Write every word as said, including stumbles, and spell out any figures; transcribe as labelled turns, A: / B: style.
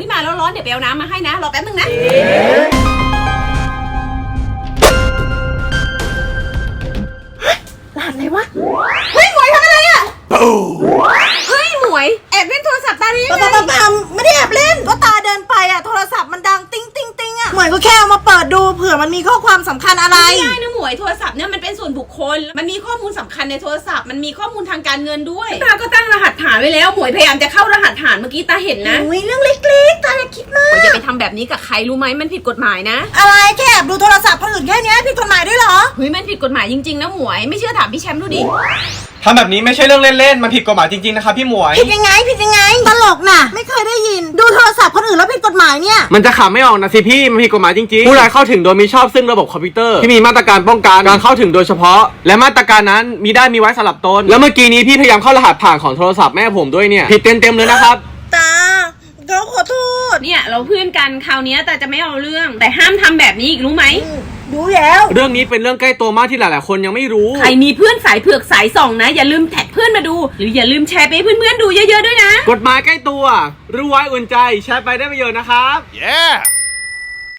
A: ฮ้ยมาแล้วร้อนเดี๋ยวไปเอาน้ำมาให้นะรอแป๊บนึงนะรหัสอะไรวะเฮ้ยหมวยทำอะไรอ่ะเฮ้ยหมวยแอบเล่นโทรศัพท์ตาได้ยังไงปั๊มปั๊มไม่ได้แอบเล่นก็ตาเดินไปอ่ะโทรศัพท์มันดังติ้งติ้งติ้งอ่ะหมวยก็แค่เอามาเปิดดูเผื่อมันมีข้อความสำคัญอะไรไม่ได้นะหมวยโทรศัพท์เนี่ยมันเป็นส่วนบุคคลมันมีข้อมูลสำคัญในโทรศัพท์มันมีข้อมูลทางการเงินด้วยตาก็ตั้งรหัสฐานไว้แล้วหมวยพยายามจะเข้ารหัสฐานเมื่อกี้ตาเห็นนะอุ้ยเรื่องเล็กๆตาอย่าคิดมากอย่าไปทำแบบนี้กับใครรู้ไหมมันผิดกฎหมายนะอะไรแค่แอบดูโทรศัพท์คนอื่นแค่นี้ผิดกฎหมายด้วยเหรอเฮ้ยมันผิดกฎหมายจริงๆนะหมวยไม่เชื่อถามพี่แชมป์ดูดิ
B: ทำแบบนี้ไม่ใช่เรื่องเล่นๆมันผิดกฎหมายจริงๆนะครับพี่หมวย
A: ผิดยังไงผิดยังไงตลกน่ะไม่เคยได้ยินดูโทรศัพท์คนอื่นแล้วผิดกฎหมายเนี่ย
B: มันจะขำไม่ออกนะสิพี่มันผิดกฎหมายจริงๆผู้ใดเข้าถึงโดยมิชอบซึ่งระบบคอมพิวเตอร์ที่มีมาตรการป้องกันการเข้าถึงโดยเฉพาะและมาตรการนั้นมีได้มีไว้สำหรับตนแล้วเมื่อกี้นี้พี่พยายามเข้ารหัสผ่านของโทรศัพท์แม่ผมด้วยเนี่ยผิดเต็มๆเลยนะครับ
A: ตาเราขอโทษเนี่ยเราเพื่อนกันคราวนี้แต่จะไม่เอาเรื่องแต่ห้ามทำแบบนี้อีกรู้ไหมรู้แล้ว
B: เรื่องนี้เป็นเรื่องใกล้ตัวมากที่หลายๆคนยังไม่รู้
A: ใครมีเพื่อนสายเผือกสายส่องนะอย่าลืมแท็กเพื่อนมาดูหรืออย่าลืมแชร์ไปให้เพื่อนๆดูเยอะๆด้วยนะ
B: กฎหมายใกล้ตัวรู้ไว้อุ่นใจแชร์ไปได้ประโยชน์นะครับ
C: yeah